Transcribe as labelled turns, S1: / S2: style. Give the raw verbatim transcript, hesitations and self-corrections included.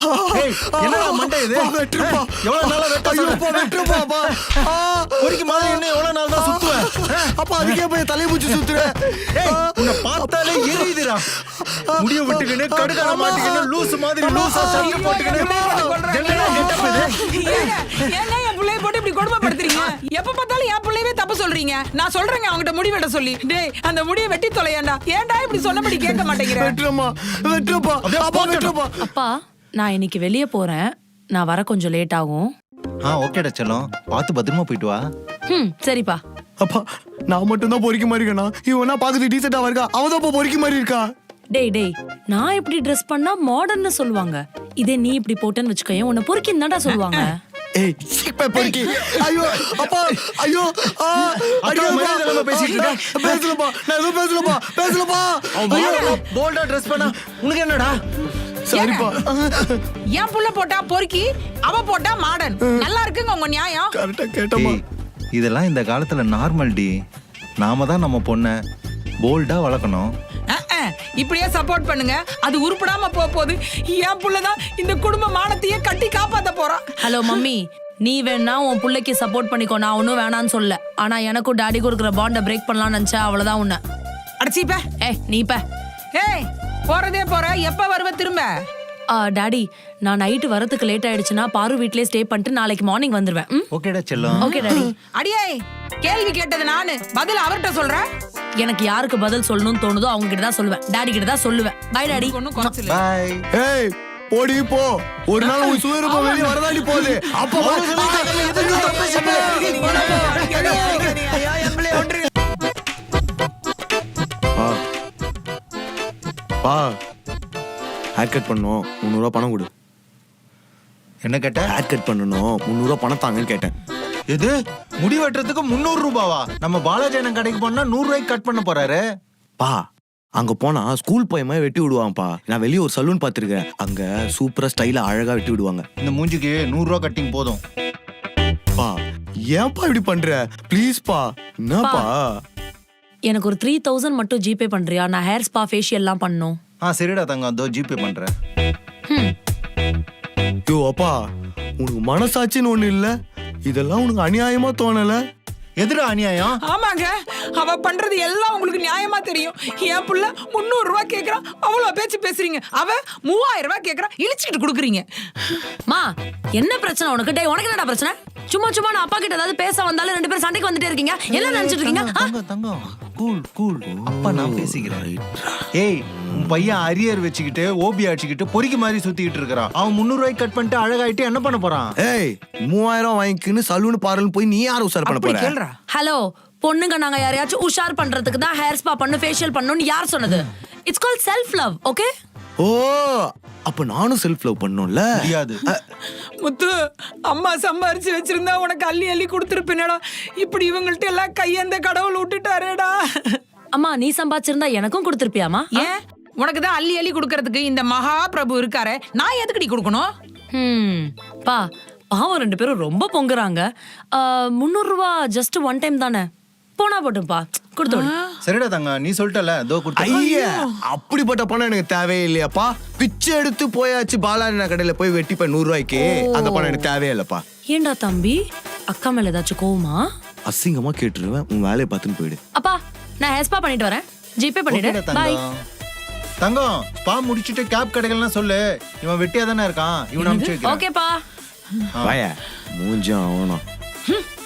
S1: ஏய் என்னடா மண்டை இது?
S2: வெட்டுப்பா.
S1: எவ்வளவு நாளா வெட்ட
S2: ஐயோப்பா வெட்டுப்பாப்பா.
S1: பொறுக்கி மாதிரி என்ன எவ்வளவு நாள் தான் சுத்துவேன்?
S2: அப்பா அதுக்கே போய் தலையை பூச்சி சுத்துறேன்.
S1: ஏய் உன்னை பார்த்தாலே எரியுதுடா. முடிய விட்டுக்கின்னு கடுகார மாட்டிக்கின்னு லூஸ் மாதிரி லூசா சட்டை போட்டுக்கின்னு என்னடா கெட்டப் இது?
S3: ஏங்க என் புள்ளைய போட்டு இப்படி கொடுமைப்படுத்துறீங்க? எப்ப பார்த்தாலும் என் புள்ளையவே தப்பு சொல்றீங்க. நான் சொல்றேங்க அவங்கிட்ட முடி வெட்ட சொல்லி. டேய் அந்த முடியை வெட்டி தொலையாண்டா. ஏன்டா இப்படி சொன்னபடி கேட்க மாட்டேங்கிற?
S2: வெட்டுறமா வெட்டுப்பா. அப்பா வெட்டுப்பா.
S4: அப்பா நான் இன்னைக்கு வெளியே போறேன். நான் வர கொஞ்சம் லேட் ஆகும்.
S1: ஆ ஓகேடா செல்லம். பார்த்து பத்திரமா போயிட்டு வா.
S4: ம் சரிப்பா.
S2: அப்பா நான் மட்டும் தான் பொறுக்கி மாதிரி இருக்கேனா? இவனா பாக்குறது டீசெண்டா இருக்கா, அவன் தான் பொறுக்கி மாதிரி இருக்கா.
S4: டேய் டேய் நான் இப்படி ட்ரெஸ் பண்ணா மாடர்ன்னு சொல்லுவாங்க. இதே நீ இப்படி போட்டேன்னு வச்சுக்கோயேன் உன்னை பொறுக்கின்னு தான்டா சொல்லுவாங்க.
S2: ஏய் சீப்பே பொறுக்கி. ஐயோ அப்பா ஐயோ ஆ
S1: அடிக்க மரியாதை பேசிட்டு இருக்க.
S2: பேசலப்பா. நான் எதுவும் பேசலப்பா. பேசலப்பா.
S1: ஐயோ போல்டா ட்ரெஸ் பண்ணா உனக்கு என்னடா?
S2: சரிப்பா.
S3: என் புள்ள போட்டா பொறுக்கி, அவ போட்டா மாடர்ன். நல்லா இருக்குங்க உங்க நியாயம்.
S2: கரெக்டா கேட்டமா.
S1: ஏய், இதெல்லாம் இந்த காலத்துல நார்மல் டி. நாம தான் நம்ம பொண்ணை போல்டா வளர்க்கணும்.
S3: அஹ், அஹ், இப்படியே சப்போர்ட் பண்ணுங்க. அது உருப்படாம போக போகுது. என் புள்ளதான் இந்த குடும்ப மானத்தையே கட்டி காப்பாத்த போறான்.
S4: ஹலோ மம்மி நீ வேணா உன் பிள்ளைக்கு சப்போர்ட் பண்ணிக்கோ. நான் ஒன்னும் வேணான்னு சொல்ல. ஆனா எனக்கும் டாடி கொடுக்குற பாண்டை பிரேக் பண்ணலாம்னு நினைச்சா அவ்வளவுதான் உன்னை.
S3: அடிச்சிப்ப.
S4: ஏய் நீ ப.
S3: ஏய் போறதே போற. எப்ப வருவ திரும்ப?
S4: ஆ டாடி நான் நைட்டு வரதுக்கு லேட் ஆயிடுச்சுன்னா பாரு வீட்லயே ஸ்டே பண்ணிட்டு நாளைக்கு மார்னிங் வந்துருவேன். ம்?
S1: ஓகேடா செல்லம்.
S4: Okay daddy.
S3: அடியே கேள்வி கேட்டது நானு, பதில் அவர்கிட்ட சொல்றேன்.
S4: எனக்கு யாருக்கு பதில் சொல்லணும்னு தோணுதோ அவங்க கிட்ட தான் சொல்லுவேன். டாடி கிட்ட தான் சொல்லுவேன். Bye daddy.
S3: ஒண்ணும் குறைச்சல.
S1: பை.
S2: ஏய் போடி போ. ஒரு நாள் உன் சுயரூபம் வெளிய வரதாடி போகுது. அப்ப பா ஹேர் கட் பண்ணோம். முந்நூறு ரூபா பணம் கொடு.
S1: என்ன கேட்ட?
S2: ஹேர் கட் பண்ணணும். முந்நூறு ரூபா பணம் தாங்கன்னு கேட்டேன்.
S1: எது முடி வெட்டுறதுக்கு முன்னூறு ரூபாவா? நம்ம பாலாஜி கடைக்கு போனா நூறு ரூபாய்க்கு கட் பண்ண போறாரு.
S2: பா அங்க போனா ஸ்கூல் பையன் மாதிரி வெட்டி விடுவாங்கப்பா. நான் வெளியே ஒரு சலூன் பாத்துருக்கேன். அங்க சூப்பரா ஸ்டைலா அழகா வெட்டி விடுவாங்க.
S1: இந்த மூஞ்சிக்கு நூறு ரூபா கட்டிங் போதும்.
S2: பா ஏன்பா இப்படி பண்ற? ப்ளீஸ் பா. என்னப்பா?
S4: எனக்கு ஒரு த்ரீ தௌசண்ட் மட்டும் ஜிபே பண்றியா? நான் ஹேர் ஸ்பா ஃபேஷியல் எல்லாம் பண்ணணும்.
S1: ஆ சரிடா தங்கம், அதோ ஜிபே பண்றேன்.
S2: யோ அப்பா உனக்கு மனசாட்சின்னு ஒண்ணு இல்ல? இதெல்லாம் உனக்கு அநியாயமா தோணல?
S1: எதுடா அநியாயம்?
S3: ஆமாங்க, அவ பண்றது எல்லாம் உங்களுக்கு நியாயமா தெரியும். என் புள்ள முன்னூறு ரூபாய் கேக்குறான், அவ்வளவு பேச்சு பேசுறீங்க. அவ மூவாயிரம் ரூபாய் கேக்குறான், இழிச்சுக்கிட்டு கொடுக்குறீங்க.
S4: மா என்ன பிரச்சனை உனக்கு? டேய் உனக்கு என்னடா பிரச்சனை? சும்மா சும்மா நான் அப்பா கிட்ட ஏதாவது பேச வந்தாலும் ரெண்டு பேரும் சண்டைக்கு வந்துட்டே இருக்கீங்க. என்ன நினைச்சிட்டு இருக்கீங்க?
S1: தங்கம் தங்கம் கூல் கூல். அப்பா நான் பேசிக்கிறேன். ஏய் உன் பையன் அரியர் வச்சுக்கிட்டு ஓபி அடிச்சுக்கிட்டு பொறிக்கு மாதிரி சுத்திக்கிட்டு இருக்கிறான். அவன் முன்னூறு ரூபாய்க்கு கட் பண்ணிட்டு அழகாயிட்டு என்ன பண்ண போறான்?
S2: ஏய் மூவாயிரம் வாங்கிக்கின்னு சலூன் பார்லர் போய் நீ யாரும் உசார் பண்ண போற?
S3: கேளுடா.
S4: ஹலோ பொண்ணுங்க நாங்க யாரையாச்சும் உஷார் பண்றதுக்கு தான் ஹேர் ஸ்பா பண்ணு ஃபேஷியல் பண்ணனும்னு யார் சொன்னது? It's called self love. Okay?
S2: ஓ அப்ப நானும் செல்ஃப் லவ் பண்ணனும்ல?
S1: முடியாது.
S3: முத்து, அம்மா சம்பாரிச்சு வச்சிருந்தா உனக்கு அள்ளி அள்ளி கொடுத்துருப்பேனடா. இப்படி இவங்கள்ட்ட எல்லாம் கையந்த கடவுள் விட்டுட்டாரேடா.
S4: அம்மா நீ சம்பாதிச்சிருந்தா எனக்கும் கொடுத்துருப்பியாமா?
S3: ஏன் உனக்கு தான் அள்ளி அள்ளி கொடுக்கறதுக்கு இந்த மகா பிரபு இருக்காரே, நான் எதுக்குடி கொடுக்கணும்?
S4: ம் பா பாவம் ரெண்டு பேரும் ரொம்ப பொங்குறாங்க. முந்நூறு ரூபா ஜஸ்ட் ஒன் டைம் தானே, போனா போட்டும்பா கொடுத்து.
S1: சரிடா தங்க, நீ சொல்லிட்டல அதோ கொடுத்து.
S2: ஐயா அப்படிப்பட்ட பணம் எனக்கு தேவையே இல்லையாப்பா. பிச்சை எடுத்து போயாச்சு பாலாஜி கடையில போய் வெட்டிப்ப நூறு ரூபாய்க்கு. அந்த பணம் எனக்கு தேவையே இல்லப்பா.
S4: ஏண்டா தம்பி அக்கா மேல ஏதாச்சும் கோவமா?
S2: அசிங்கமா கேட்டுருவேன். உன் வேலையை பார்த்துன்னு போயிடு.
S4: அப்பா நான் ஹேர் ஸ்பா பண்ணிட்டு வரேன். ஜிபே பண்ணிடு. பை.
S1: தங்கம் ஸ்பா முடிச்சிட்டு கேப் கடைகள்லாம் சொல்லு. இவன் வெட்டியா தானே இருக்கான், இவன் அனுப்பிச்சு வைக்கிறேன்.
S4: ஓகேப்பா.
S2: வாயா மூஞ்சும் ஆகணும்.